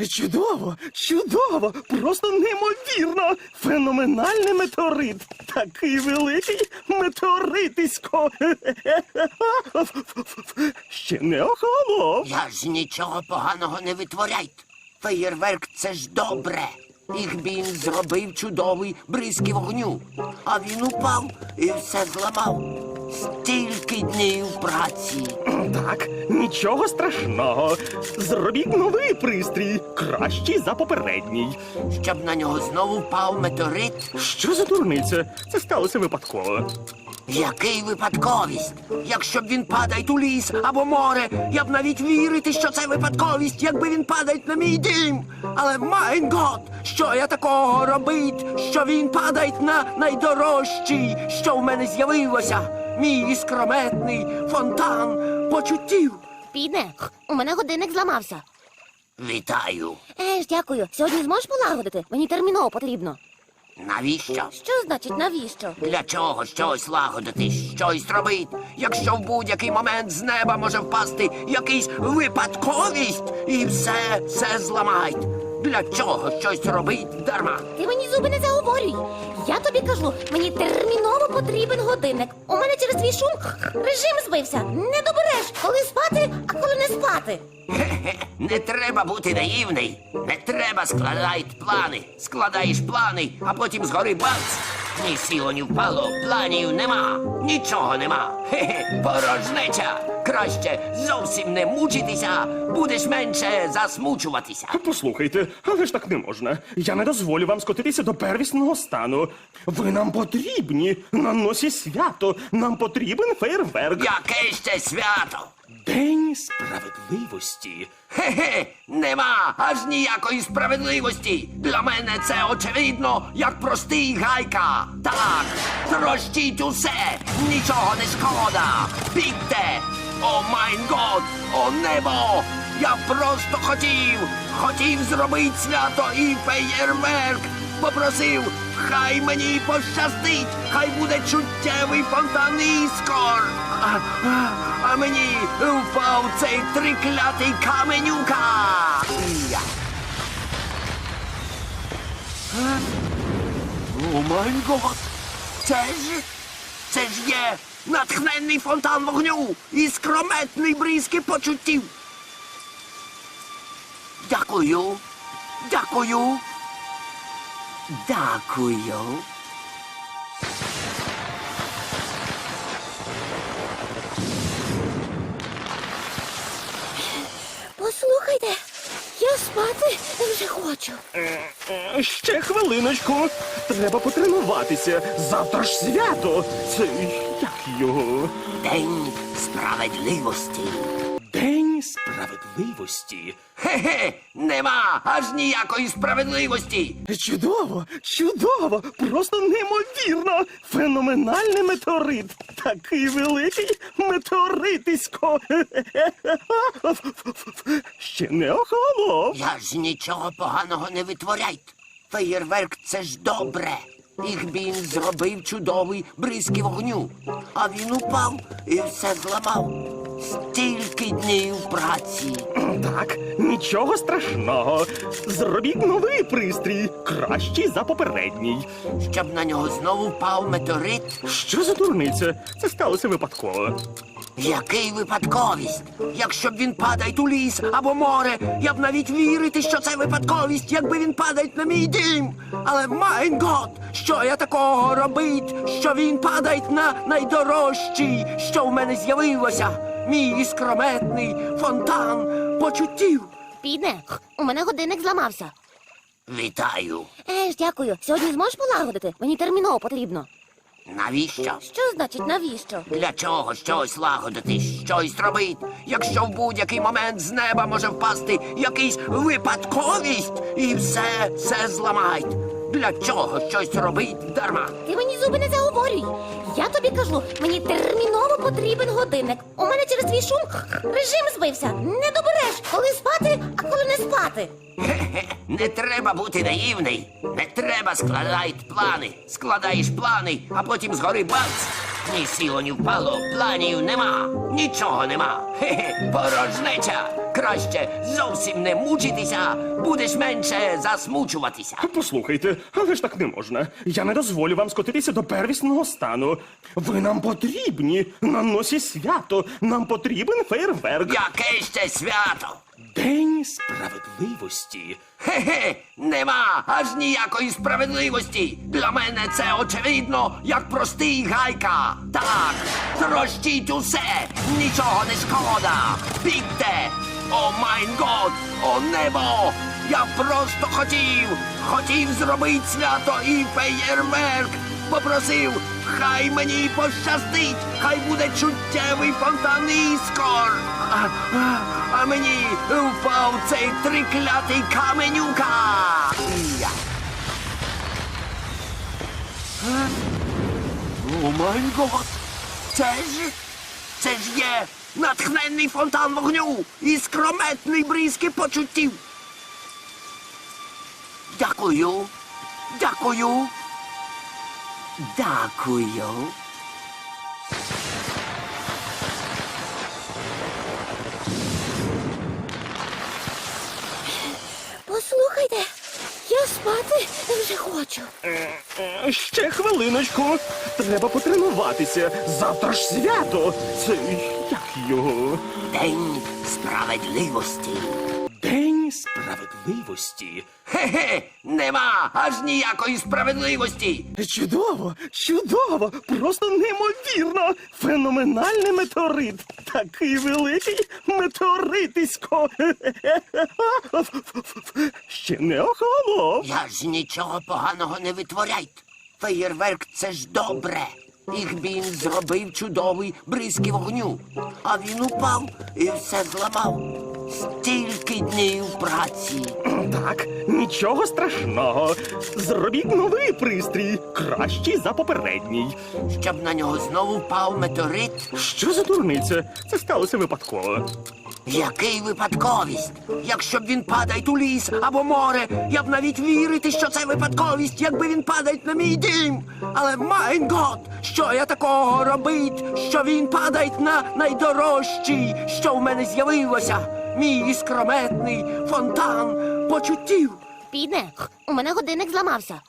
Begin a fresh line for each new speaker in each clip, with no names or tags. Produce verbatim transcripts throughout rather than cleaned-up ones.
Чудово, чудово, просто неймовірно. Феноменальний метеорит. Такий великий метеоритисько. Ще не охолонув.
Я ж нічого поганого не витворяйте. Феєрверк – це ж добре. Ігбін зробив чудовий бризки вогню. А він упав і все зламав. Стільки днів праці.
Так, нічого страшного. Зробіть новий пристрій, кращий за попередній.
Щоб на нього знову впав метеорит.
Що за дурниця? Це сталося випадково.
Який випадковість? Якщо б він падає у ліс або море, я б навіть вірити, що це випадковість, якби він падає на мій дім. Але, майн гот, що я такого робить, що він падає на найдорожчий, що в мене з'явилося? Мій іскрометний фонтан почуттів.
Піде, у мене годинник зламався.
Вітаю.
Еж, дякую. Сьогодні зможеш полагодити? Мені терміново потрібно.
Навіщо?
Що значить навіщо?
Для чого щось лагодити, щось робити, якщо в будь-який момент з неба може впасти якийсь випадковість і все, все зламають? Для чого щось робить дарма?
Ти мені зуби не заговорюй. Я тобі кажу, мені терміново потрібен годинник. У мене через твій шум режим збився. Не добереш, коли спати, а коли не спати.
Хе-хе, не треба бути наївний. Не треба складати плани. Складаєш плани, а потім згори бац. Ні сіло, ні впало, планів нема. Нічого нема. Хе-хе, порожнеча. Краще зовсім не мучитися, будеш менше засмучуватися.
Послухайте, але ж так не можна. Я не дозволю вам скотитися до первісного стану. Ви нам потрібні. На носі свято. Нам потрібен фейерверк.
Яке ще свято?
День справедливості.
Хе-хе, нема аж ніякої справедливості. Для мене це очевидно, як простий гайка. Так, трощіть усе, нічого не шкода. Бігте! О майн год, о небо! Я просто хотів, хотів зробити свято і феєрверк. Попросив, хай мені пощастить, хай буде чуттєвий фонтан іскор. А, а, а мені впав цей триклятий каменюка. Я. Е? О май гот! Це ж, це ж є натхненний фонтан вогню і скрометний бризки почуттів. Дякую, дякую, дякую.
Послухайте, я спати вже хочу.
Е, Ще хвилиночку. Треба потренуватися. Завтра ж свято. Це як його?
День справедливості.
День справедливості.
Хе-хе, нема аж ніякої справедливості.
Чудово, чудово, просто неймовірно. Феноменальний метеорит. Такий великий метеоритисько. Ще не охолонув.
Я ж нічого поганого не витворяйте. Феєрверк – це ж добре. Ігбін зробив чудовий бризки вогню. А він упав і все зламав. Стільки днів праці.
Так, нічого страшного. Зробіть новий пристрій, кращий за попередній.
Щоб на нього знову впав метеорит.
Що за дурниця? Це сталося випадково.
Який випадковість? Якщо б він падає у ліс або море, я б навіть вірити, що це випадковість, якби він падає на мій дім. Але, майн гот, що я такого робить, що він падає на найдорожчий, що в мене з'явилося? Мій іскрометний фонтан почуттів.
Піде, у мене годинник зламався.
Вітаю.
Еж, дякую. Сьогодні зможеш полагодити? Мені терміново потрібно.
Навіщо?
Що значить навіщо?
Для чого щось лагодити, щось робити, якщо в будь-який момент з неба може впасти якийсь випадковість і все, все зламають? Для чого щось робить дарма?
Ти мені зуби не заговорюй. Я тобі кажу, мені терміново потрібен годинник. У мене через твій шум режим збився. Не добереш, коли спати, а коли не спати.
Хе-хе, не треба бути наївний. Не треба складати плани. Складаєш плани, а потім згори бац. Ні сіло, ні впало, планів нема, нічого нема. Хе-хе, порожнеча. Краще зовсім не мучитися, будеш менше засмучуватися.
Послухайте, але ж так не можна. Я не дозволю вам скотитися до первісного стану. Ви нам потрібні на носі свято. Нам потрібен фейерверк.
Яке ще свято?
День справедливості.
Хе-хе, нема аж ніякої справедливості. Для мене це очевидно, як простий гайка. Так, трощіть усе, нічого не шкода. Бігте! О майн год, о небо! Я просто хотів, хотів зробити свято і феєрверк. Попросив, хай мені пощастить, хай буде чуттєвий фонтан іскор. А, а, а мені впав цей триклятий каменюка. Я. Е? О май гот! Це ж, це ж є натхненний фонтан вогню і скрометний бризки почуттів. Дякую, дякую. Дякую.
Послухайте, я спати вже хочу.
Е, Ще хвилиночку. Треба потренуватися. Завтра ж свято. Це як його?
День справедливості.
День справедливості.
Хе-хе, нема аж ніякої справедливості.
Чудово, чудово, просто неймовірно. Феноменальний метеорит. Такий великий метеоритисько. Ще не охолонув.
Я ж нічого поганого не витворяйте. Феєрверк — це ж добре. Їх він зробив чудовий бризки вогню. А він упав і все зламав. Стільки днів праці.
Так, нічого страшного. Зробіть новий пристрій, кращий за попередній.
Щоб на нього знову впав метеорит.
Що за дурниця? Це сталося випадково.
Який випадковість? Якщо б він падає у ліс або море, я б навіть вірити, що це випадковість, якби він падає на мій дім. Але майн гот, що я такого робить, що він падає на найдорожчий, що в мене з'явилося? Мій іскрометний фонтан почуттів.
Підне, у мене годинник зламався.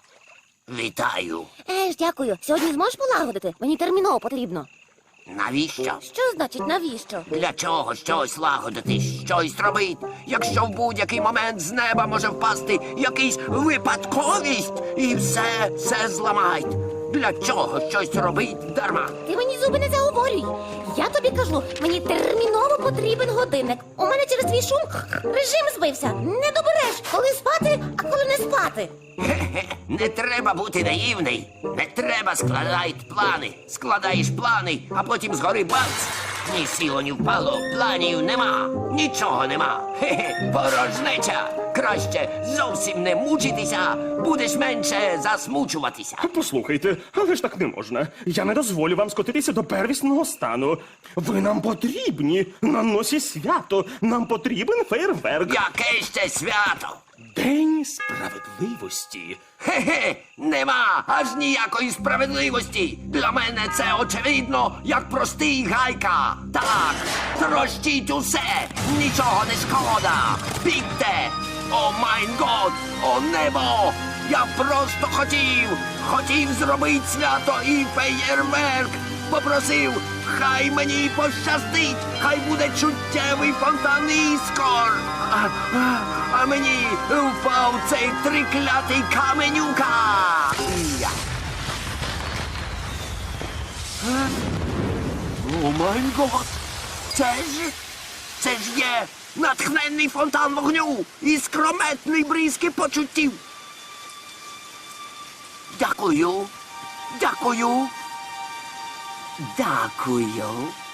Вітаю.
Е ж, дякую. Сьогодні зможеш полагодити? Мені терміново потрібно.
Навіщо?
Що значить навіщо?
Для чого щось лагодити, щось робити, якщо в будь-який момент з неба може впасти якийсь випадковість і все, все зламають. Для чого щось робить дарма?
Ти мені зуби не заговорюй. Я тобі кажу, мені терміново потрібен годинник. У мене через твій шум режим збився. Не добереш, коли спати, а коли не спати.
Хе-хе, не треба бути наївний. Не треба складати плани. Складаєш плани, а потім згори бац. Ні сіло, ні впало, планів нема, нічого нема. Хе-хе, порожнеча. Краще зовсім не мучитися, будеш менше засмучуватися.
Послухайте, але ж так не можна. Я не дозволю вам скотитися до первісного стану. Ви нам потрібні на носі свято. Нам потрібен фейерверк.
Яке ще свято?
День справедливості.
Хе-хе, нема аж ніякої справедливості. Для мене це очевидно, як простий гайка. Так, трощіть усе, нічого не шкода. Бігте! О майн год, о небо! Я просто хотів, хотів зробити свято і феєрверк. Попросив, хай мені пощастить, хай буде чуттєвий фонтан іскор. А, а, а мені впав цей триклятий каменюка. Я. Е? О май гот! Це ж, це ж є натхненний фонтан вогню і скрометний бризки почуттів. Дякую, дякую. Дякую.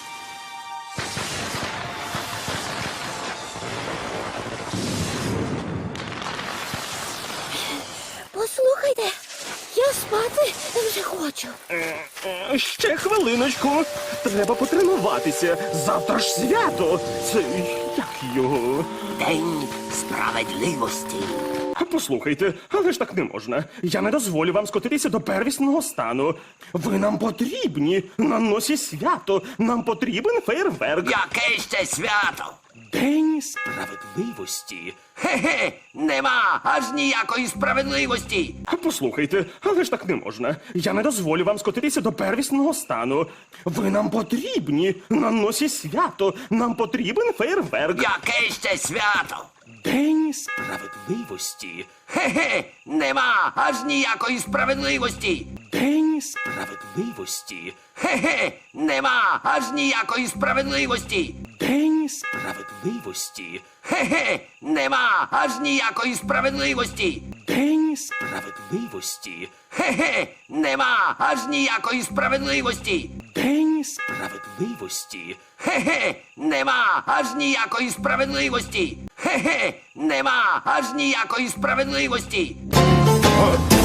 Послухайте, я спати вже хочу.
Е, Ще хвилиночку. Треба потренуватися. Завтра ж свято. Це як його?
День справедливості.
Послухайте, але ж так не можна. Я не дозволю вам скотитися до первісного стану. Ви нам потрібні на носі свято. Нам потрібен фейерверк.
Яке ще свято?
День справедливості.
Хе-хе, нема аж ніякої справедливості.
Послухайте, але ж так не можна. Я не дозволю вам скотитися до первісного стану. Ви нам потрібні на носі свято. Нам потрібен фейерверк.
Яке ще свято?
День справедливості.
Хе-хе, нема аж ніякої справедливості.
День справедливості.
Хе-хе, нема аж ніякої справедливості.
День справедливості.
Хе-хе, нема аж ніякої справедливості.
День справедливості.
Хе-хе, нема аж ніякої справедливості.
День справедливості.
Хе-хе, нема аж ніякої справедливості. Хе-хе, нема аж ніякої справедливості.